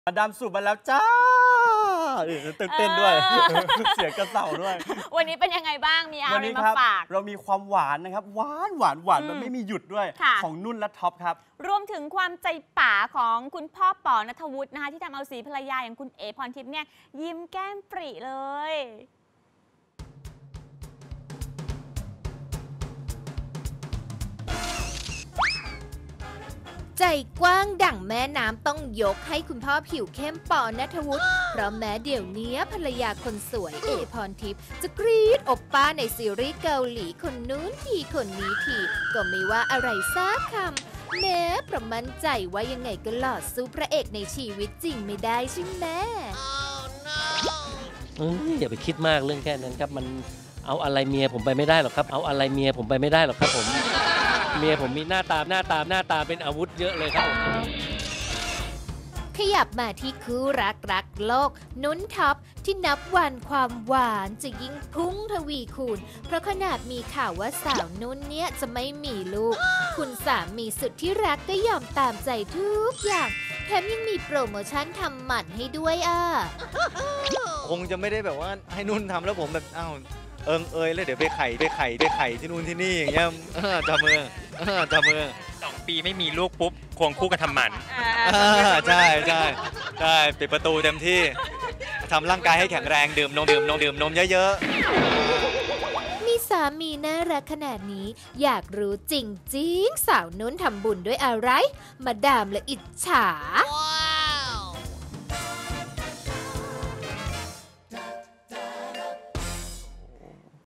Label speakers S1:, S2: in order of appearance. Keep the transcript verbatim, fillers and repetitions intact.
S1: มาดามสูบมาแล้วจ้าตื่นเต้นด้วยเสียงกระเต่าด้วย
S2: วันนี้เป็นยังไงบ้างมีอะไรมาฝาก
S1: เรามีความหวานนะครับหวานหวานหวานมันไม่มีหยุดด้วยของนุ่นและท็อปครับ
S2: รวมถึงความใจป๋าของคุณพ่อป๋อณัฐวุฒินะคะที่ทำเอาสีภรรยาอย่างคุณเอ๋พรทิพย์เนี่ยยิ้มแก้มปริเลย
S3: ใจกว้างดั่งแม่น้ำต้องยกให้คุณพ่อผิวเข้มปอณัฐวุฒิเพราะแม้เดี๋ยวนี้ภรรยาคนสวยเอ๋พรทิพย์จะกรี๊ดอบป้าในซีรีส์เกาหลีคนนู้นทีคนนี้ทีก็ไม่ว่าอะไรซักคำแม้เพราะมั่นใจว่ายังไงก็หล่อสู้พระเอกในชีวิตจริงไม่ได้ใช่ไหม
S4: อย่าไปคิดมากเรื่องแค่นั้นครับมันเอาอะไรเมียผมไปไม่ได้หรอกครับเอาอะไรเมียผมไปไม่ได้หรอกครับผมเมียผมมีหน้าตาหน้าตาหน้าตาเป็นอาวุธเยอะเลยครับ
S3: ขยับมาที่คู่รักรักโลกนุ้นท็อปที่นับวันความหวานจะยิ่งพุ่งทวีคูณเพราะขนาดมีข่าวว่าสาวนุ้นเนี้ยจะไม่มีลูกคุณสามีสุดที่รักก็ยอมตามใจทุกอย่างแถมยังมีโปรโมชั่นทำหมันให้ด้วยอ่ะ
S5: คงจะไม่ได้แบบว่าให้นุ่นทำแล้วผมแบบอ้าวเอิงเอยแล้วเดี๋ยวไปไข่ไปไข่ไปไข่ที่นู่นที่นี่อย่างเงี้ยจับมือจับมือ
S6: สองปีไม่มีลูกปุ๊บควงคู่กันทำหมัน
S5: ใช่ใช่ใช่ปิดประตูเต็มที่ทำร่างกายให้แข็งแรงดื่มนมดื่มนมดื่มนมเยอะ
S3: ๆมีสามีน่ารักขนาดนี้อยากรู้จริงๆสาวนุ่นทำบุญด้วยอะไรมาดามและอิจฉา